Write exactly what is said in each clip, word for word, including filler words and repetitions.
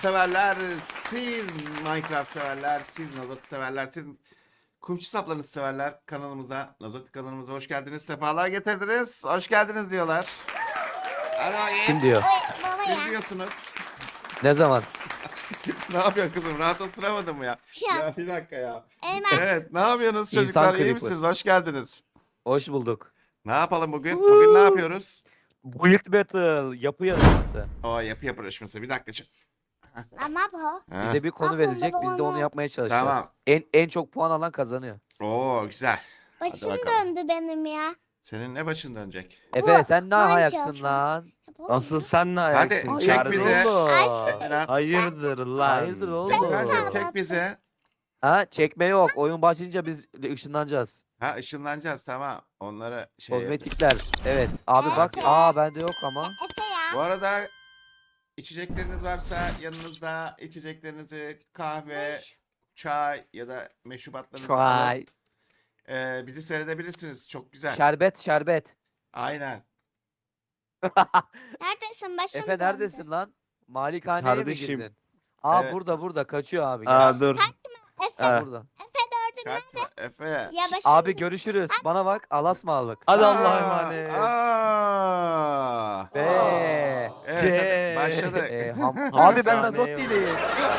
severler, siz Minecraft severler, siz Nazotik severler, siz kumçu saplarınızı severler kanalımıza, Nazotik kanalımıza hoş geldiniz, sefalar getirdiniz, hoş geldiniz diyorlar. Hadi bakayım. Kim diyor? Baba Siz ya. diyorsunuz. Ne zaman? Ne yapıyorsun kızım? Rahat oturamadın mı ya? Ya. Ya bir dakika ya. Eymen. Evet, ne yapıyorsunuz İnsan çocuklar? İyi creeper. misiniz? Hoş geldiniz. Hoş bulduk. Ne yapalım bugün? Bugün ne yapıyoruz? Build Battle yapı yarışması. O yapı yapışması. Bir dakika. çık. Ama bu. Ha. Bize bir konu Aklımda verilecek. Biz de onu olan- yapmaya çalışacağız. Tamam. En en çok puan alan kazanıyor. Oo güzel. Başım bakalım. döndü benim ya. Senin ne başın dönecek? Efe sen ne Minecraft. ayaksın lan? Asıl sen ne ayaksın? Hadi, çek Hayırdır bize. oğlum? Emirhan. Hayırdır lan? Hayırdır oğlum? Emirhan'cığım çek bize. Ha çekme yok. Oyun başlayınca biz ışınlanacağız. Ha ışınlanacağız tamam. Onlara şey. Kozmetikler. Evet. Abi bak. Evet. Aa bende yok ama. Efe Bu ya. arada içecekleriniz varsa yanınızda içeceklerinizi kahve, çay ya da meşrubatlarınızı alın. Çay. Ee, bizi seyredebilirsiniz. Çok güzel. Şerbet şerbet. Aynen. Neredesin? Başım Efe döndü. neredesin lan? Malikaneye mi Kardeşim. girdin? Aa Evet. burada burada kaçıyor abi. Gel. Aa dur. Efe. Ha, burada. Kaçma Efe. Ya başım. Abi görüşürüz. Bana bak. Alasmalık. Hadi Aa, Allah'a emanet. aa. Be. Evet Ce- hadi başladık. Ee, ham- Abi abi ben sahne Nazot yok. değilim.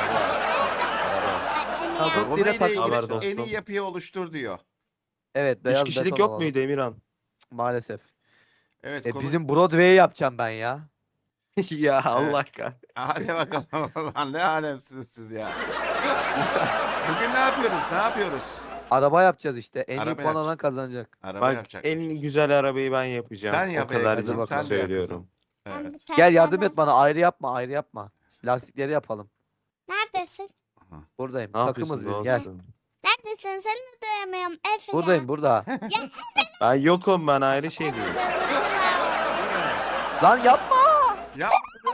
Nazot Konuyla ile takıldım. Haber ilgili dostum. en iyi yapıyı oluştur diyor. Evet Üç beyaz kişilik beton yok alalım. muydu Emirhan? Maalesef. Evet E, konu... bizim Broadway'i yapacağım ben ya. Ya Allah kahretsin. Hadi bakalım. Lan ne alemsiniz siz ya. Bugün ne yapıyoruz? Ne yapıyoruz? Araba yapacağız işte. En iyi Araba puan alan yapacağız. kazanacak. Araba Bak yapacak. en güzel arabayı ben yapacağım. Sen yap o kadar Ekrem'cim, ciddi sen de yap söylüyorum. kızım. Evet. Gel yardım et bana. Ayrı yapma ayrı yapma. Lastikleri yapalım. Neredesin? Buradayım. Ne Takımız biz yapıyorsun gel. dostum? Neredesin? Seni de duyamıyorum. Efe Buradayım burada. Ben yokum, ben ayrı şeydeyim. Lan yapma. Yap.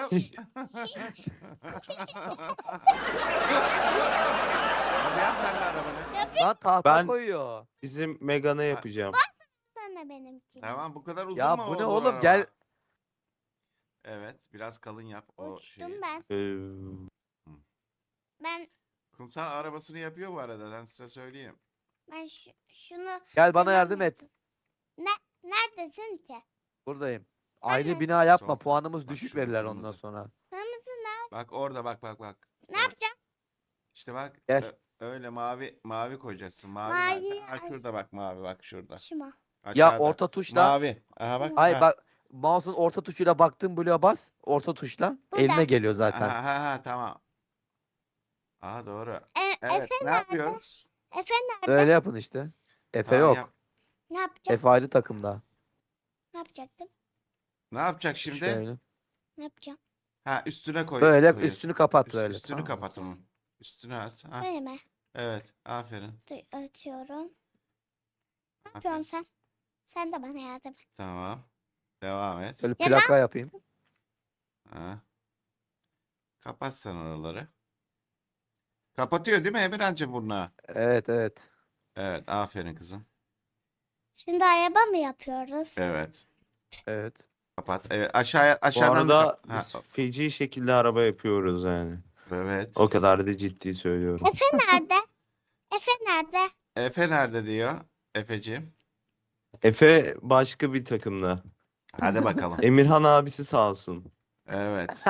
Hadi yap sen de arabanı. Lan tahta Ben- koyuyor. Bizim Megan'a yapacağım. Sen de benimki. Tamam bu kadar uzun Ya mu bu ne olur oğlum? araba? Gel. Evet biraz kalın yap o Uçtum şeyi. ben. Ee, Ben Kumsal arabasını yapıyor bu arada ben size söyleyeyim. ben şu, şunu Gel bana Tamam yardım mı? et. neredesin ki? Buradayım. Ayrı Nerede? bina yapma. Sol. Puanımız Bak düşük şurada verirler kırmızı. ondan sonra. Kırmızı ne? Bak orada bak bak bak. Ne yapacağım? İşte bak Gel. ö- öyle mavi mavi koyacaksın. Mavi, Mavi, nerede? Ha ay. şurada bak mavi bak şurada. Şuna. Ya Aşağıda. orta tuşla. Mavi. Aha bak. Hayır ha. bak. Mouse'un orta tuşuyla baktığın bloğa bas. Orta tuşla. Burada. Eline geliyor zaten. Ha, ha, ha, tamam. Aha doğru. E, Evet Efe ne nerede? yapıyoruz? Efe nerede? Böyle yapın işte. Efe Tamam, yok. yap. Ne yapacağım? Efe ayrı takımda. Ne yapacaktım? Ne yapacak şimdi? Şöyle. Ne yapacağım? Ha üstüne koy. Böyle koyuyorsun. üstünü kapat Üst- böyle. Üstünü Tamam. kapat onun. Üstünü aç. Ha, Böyle mi? evet aferin. Dur ötüyorum. Ne Aferin. yapıyorsun sen? Sen de bana yardım et. Tamam. Devam et. Böyle Ya plaka yapayım. Ha. Kapat sen oraları. Kapatıyor değil mi Emirhan'cığım bunu? Evet evet. Evet aferin kızım. Şimdi araba mı yapıyoruz? Evet. Evet. Kapat. Evet aşağıya Bu aşağıdan da arada kap- ha, biz feci şekilde araba yapıyoruz yani. evet. O kadar da ciddi söylüyorum. Efe nerede? Efe nerede? Efe nerede diyor Efeciğim? Efe başka bir takımda. Hadi bakalım. Emirhan abisi sağ olsun. Evet.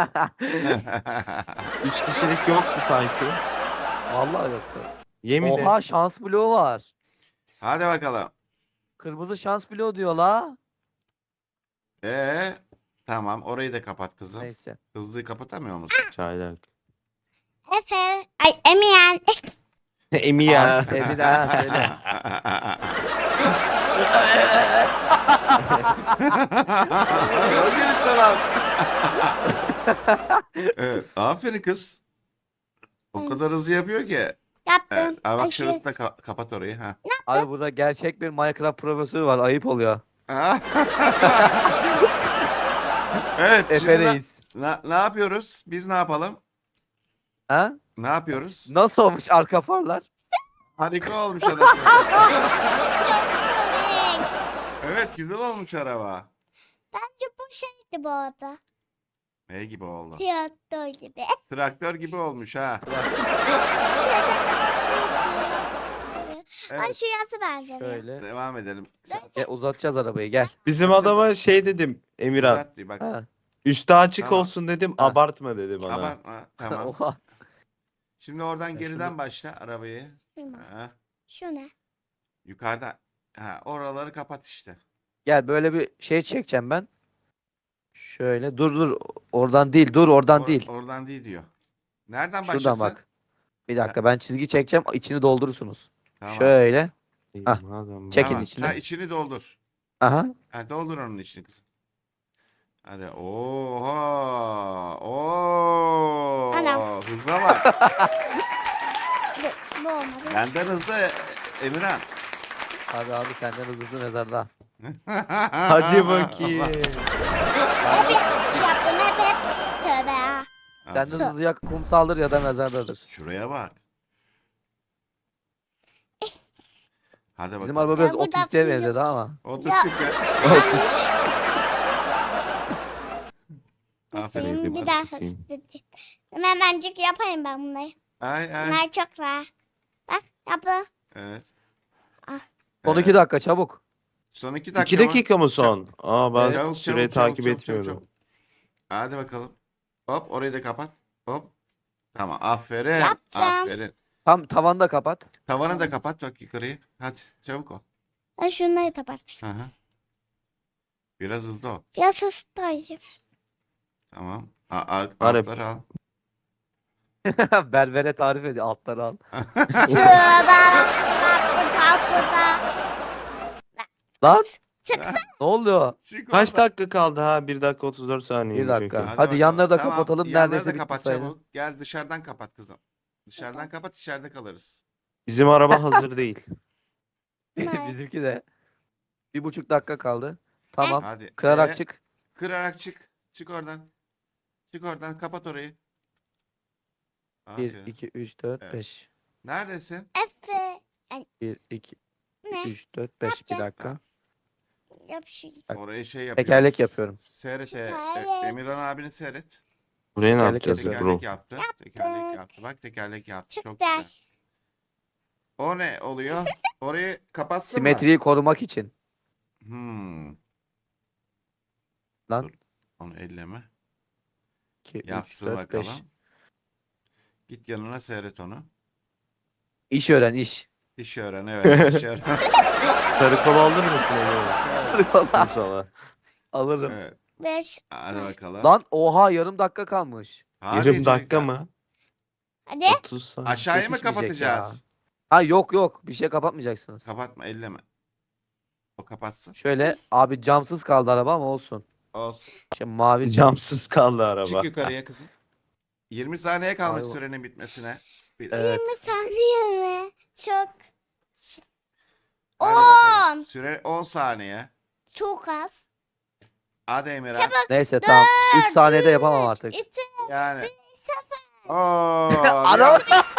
Üç kişilik yoktu sanki. Vallahi yoktu. Yemin et. Oha şans bloğu var. Hadi bakalım. Kırmızı şans bloğu diyor la. Ee, tamam orayı da kapat kızım. Neyse. Hızlı kapatamıyor musun? Çaylak. Efe. Ay Emirhan. Emi ya. Abi, Emine ha, söyle. Öldürüp de lan. Evet, aferin kız. O kadar hızlı yapıyor ki. Yaptım. Evet, aa, bak Ay, şurası da şu- ka- kapat orayı. Ha. Abi burada gerçek bir Minecraft profesörü var. Ayıp oluyor. Evet, Efe şimdi na- Reis. na- ne yapıyoruz? Biz ne yapalım? Ha? Ne yapıyoruz? Nasıl olmuş arka farlar? Harika olmuş anasını. Renk. Evet, güzel olmuş araba. Bence bu şeydi bu arada. Ne gibi oldu? Tiyatro gibi. Traktör gibi olmuş ha. Ay Evet. şu yatı benzemiyor. Şöyle. Devam edelim. Gel, uzatacağız arabayı gel. Bizim adama şey dedim Emirhan. Uzat diyor bak. Ha. Üstü açık Tamam. olsun dedim. Ha. Abartma dedi bana. Abartma. Tamam. Oha. Şimdi oradan Ya geriden şunu- başla arabayı. Şuna. Ha. Şu ne? Yukarıda. Ha, oraları kapat işte. Gel böyle bir şey çekeceğim ben. Şöyle dur dur oradan değil dur oradan Or- değil. Oradan değil diyor. Nereden Şuradan başlasın? bak. Bir dakika ben çizgi çekeceğim içini doldurursunuz. Tamam. Şöyle. İyi, Hah. madem Çekin Tamam. içini. Ha, içini doldur. Aha. Ha, doldur onun içini kızım. Hadi. Oha. Oo. Anam. Hıza bak. Bu, bu olmadı. Benden hızlı e- Emirhan. Abi abi senden hızlısı mezarda. Hadi bakayım. Hep yanlış yaptım. Hep hep. Tövbe ya. Senden hızlı ya kumsaldır ya da mezardadır. Şuraya bak. Hadi Bizim bakalım. araba biraz Ben burada otistiğe fırlayacağım. benzedi ama. Oturttuk ya. Otuz. Aferin. Senin bir hadi daha bakayım. hızlı. Hemencik yapayım ben bunları. Ay ay. Bunlar çok rahat. Bak yapı. Evet. Son Evet. iki dakika çabuk. Son iki dakika İki mı? dakika mı son? Aa bak Çabuk, süreyi çabuk, çabuk, takip çabuk, etmiyorum. çabuk, çabuk. Hadi bakalım. Hop orayı da kapat. Hop. Tamam aferin. Yaptım. Aferin. Tam tavanda kapat. Tavanı da kapat bak yukarıyı. Hadi çabuk ol. Ben şunları kapat. Hı hı. Biraz hızlı ol. Biraz hızlıyım. Tamam. A ar Arap. altları al. Berbere tarif ediyor altları al. Şurada. Kapı kapıda. Lan Çıktı. ne oluyor? Çık Kaç oradan. dakika kaldı ha? bir dakika otuz dört saniye. Bir dakika. Hadi Hadi bakalım. yanları da Tamam, kapatalım. yanları Neredeyse da bitti kapat sayılır. çabuk. Gel dışarıdan kapat kızım. Dışarıdan kapat içeride kalırız. Bizim araba hazır değil. Ne? Bizimki de. Bir buçuk dakika kaldı. Tamam. Hadi. Kırarak Ee, çık. Kırarak çık. Çık oradan. Çık oradan kapat orayı. bir, Aferin. iki, üç, dört, Evet. beş. Neredesin? Efe. bir, iki, Ne? üç, dört, beş. Bir yapacağız? dakika. Yap şey. Bak. Orayı şey yapıyor. Tekerlek yapıyorum. Seyret. e, Tekerlek. e, Emirhan abini seyret. Buraya ne Tekerlek yapacağız yapıyorum. bro? Tekerlek yaptı. Tekerlek yaptı. Bak tekerlek yaptı. Çok Çıktı. güzel. O ne oluyor? Orayı kapattın mı? Simetriyi korumak için. Hmm. Lan. Dur. Onu elleme. iki, üç, Yapsın dört, bakalım. beş. Git yanına seyret onu. İş öğren iş. İş öğren evet. İş öğren. Sarı kola alır mısın Emirhan? Kumsala. Alırım. Evet. Beş. Hadi bakalım. Lan oha yarım dakika kalmış. Hadi Yarım dakika çocuklar. mı? Hadi. otuz saniye. Aşağıya mı Yetişmeyecek kapatacağız? Ha yok yok bir şey kapatmayacaksınız. Kapatma elleme. O kapatsın. Şöyle abi camsız kaldı araba ama olsun. Olsun. Şey mavi cam. Camsız kaldı araba. Çık yukarıya kızım. yirmi saniye kalmış Ayva. sürenin bitmesine. Bir- Evet. yirmi saniye mi? Çok. Hadi bakalım. On. Süre on saniye. Çok az. Hadi Emirhan. Çabuk. Neyse tamam. üç saniyede yapamam artık. İki. Yani. Sıfır. Oo. Ana!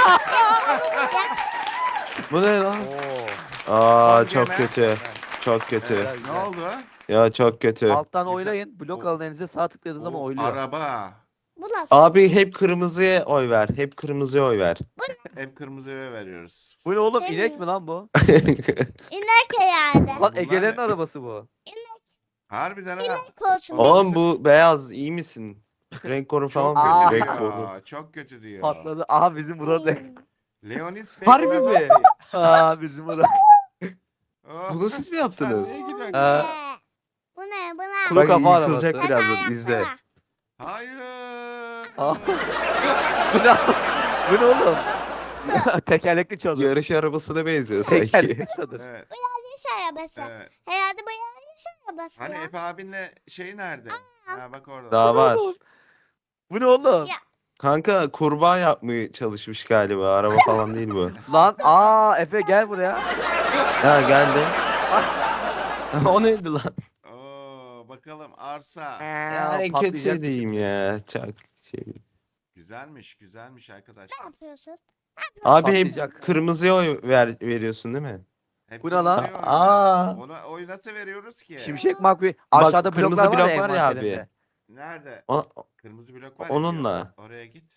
Bu ne lan? Oo. Aa Son çok gene. kötü. Çok kötü. Güzel, Ne güzel. oldu? Ya çok kötü. Alttan Güzel. oylayın. Blok alın elinize sağ tıkladığınız zaman O oyluyor. Araba. Bu nasıl? Abi hep kırmızıya oy ver. Hep kırmızıya oy ver. Hep kırmızıya veriyoruz. Bu ne oğlum? Değil İnek mi? mi lan bu? İnek herhalde. Lan Bunlar Ege'lerin ne? arabası bu. Harbiden ha. Olsun. Oğlum bu beyaz iyi misin? Renk koru falan Çok Aa. kötü. kötü Renk koru. diyor. Çok kötü diyor. Patladı. Aha bizim burada. Hmm. Leonis Bey. Harbi mi? Aa bizim burada. Oh. Bunu siz mi Sen yaptınız? niye gülüyorsun? Ee, Bu ne? Bu ne? Kuru Bak kafa yıkılacak arabası. birazdan izle. Hayır. Aa. bu ne? Bu ne oğlum? Tekerlekli çadır. Yarış arabasına benziyor sanki. Tekerlekli çadır. Evet. Yarış arabası. Evet. Herhalde bu yarış arabası Hani ya. Efe abinle şey nerede? Ha bak orada. Daha var. Bu ne oğlum? Ya. Kanka kurbağa yapmaya çalışmış galiba. Araba falan değil bu. Lan aa Efe gel buraya. Ha geldi. O neydi lan? Oo, bakalım arsa. Yani patlayacak. kötü diyeyim ya. Çok şey. Güzelmiş, güzelmiş arkadaşlar. Ne yapıyorsun? Abi Patlayacak. hep kırmızıya oy ver, veriyorsun değil mi? Hep Bu ne lan? kırmızıya Aa. oynuyoruz. Ona oy nasıl veriyoruz ki? Şimşek McQueen. Aşağıda kırmızı bloklar var ya, blok var ya abi. envanterinde. Nerede? Ona, Kırmızı blok var ya. Onunla. bir Oraya git.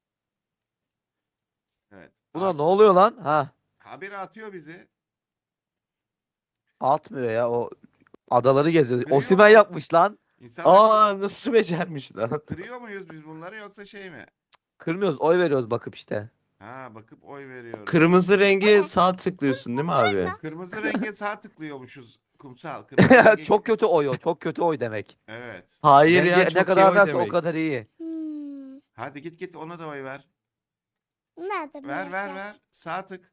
Evet. Buna Atsın. ne oluyor lan? Ha. Haberi atıyor bizi. Atmıyor ya o adaları geziyor. Kırıyor Osimhen mu? yapmış lan. İnsanlar Aa nasıl becermiş lan? kırıyor muyuz biz bunları yoksa şey mi? Kırmıyoruz, oy veriyoruz bakıp işte. Ha bakıp oy veriyoruz. Kırmızı rengi sağ tıklıyorsun değil mi abi? Kırmızı renge sağ tıklıyormuşuz kumsal. Kırmızı renge- Çok kötü oy o. Çok kötü oy demek. Evet. Hayır Rengi ya ne çok iyi kadar oy varsa o demek. kadar iyi. Hmm. Hadi git git ona da oy ver. Nerede Ver bu ver ya? ver. Sağ tık.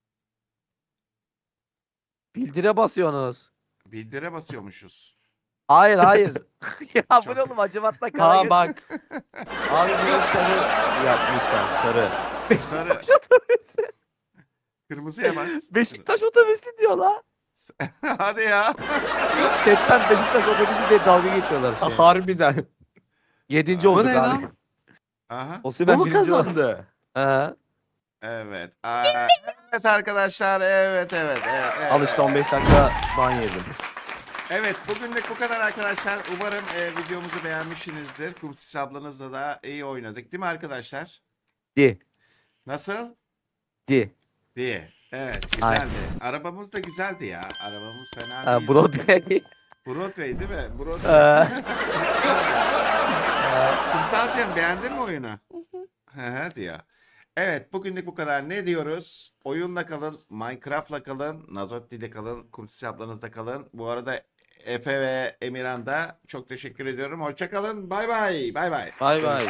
Bildire basıyorsunuz. Bildire basıyormuşuz. Hayır hayır. ya bu Çok- ne oğlum acımatla kara Ha göz- bak. Abi bunu sarı yap lütfen sarı. Sarı. Beşiktaş otobüsü. Kırmızıya bas. Beşiktaş otobüsü diyor la. Hadi ya. Chatten Beşiktaş otobüsü diye dalga geçiyorlar Ha, şey. harbiden. Yedinci Bu olduk ne abi. lan? Aha. Bu Osimhen mu birinci oldu. kazandı? He. Evet. Aa, evet arkadaşlar. Evet evet evet. evet. Al işte on beş dakika ban yedim. Evet bugünlük bu kadar arkadaşlar. Umarım e, videomuzu beğenmişsinizdir. Kumsis ablanızla da iyi oynadık değil mi arkadaşlar? Di. Nasıl? Di. Diye. Evet Aynen. güzeldi. Arabamız da güzeldi ya. Arabamız fena Ha, değil. Broadway. Broadway değil mi? Broadway. Kumsalcığım beğendin mi oyunu? Hı hı diyor. Evet bugünlük bu kadar. Ne diyoruz? Oyunla kalın, Minecraft'la kalın, Nazotti ile kalın, Kumsis ablanızla kalın. Bu arada Efe ve Emirhan da çok teşekkür ediyorum. Hoşça kalın. Bay bay. Bay bay. Bay bay.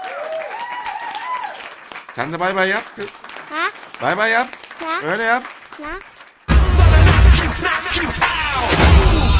Sen de bay bay yap kız. Ha? Bay bay yap. Ha? Öyle yap. Ha?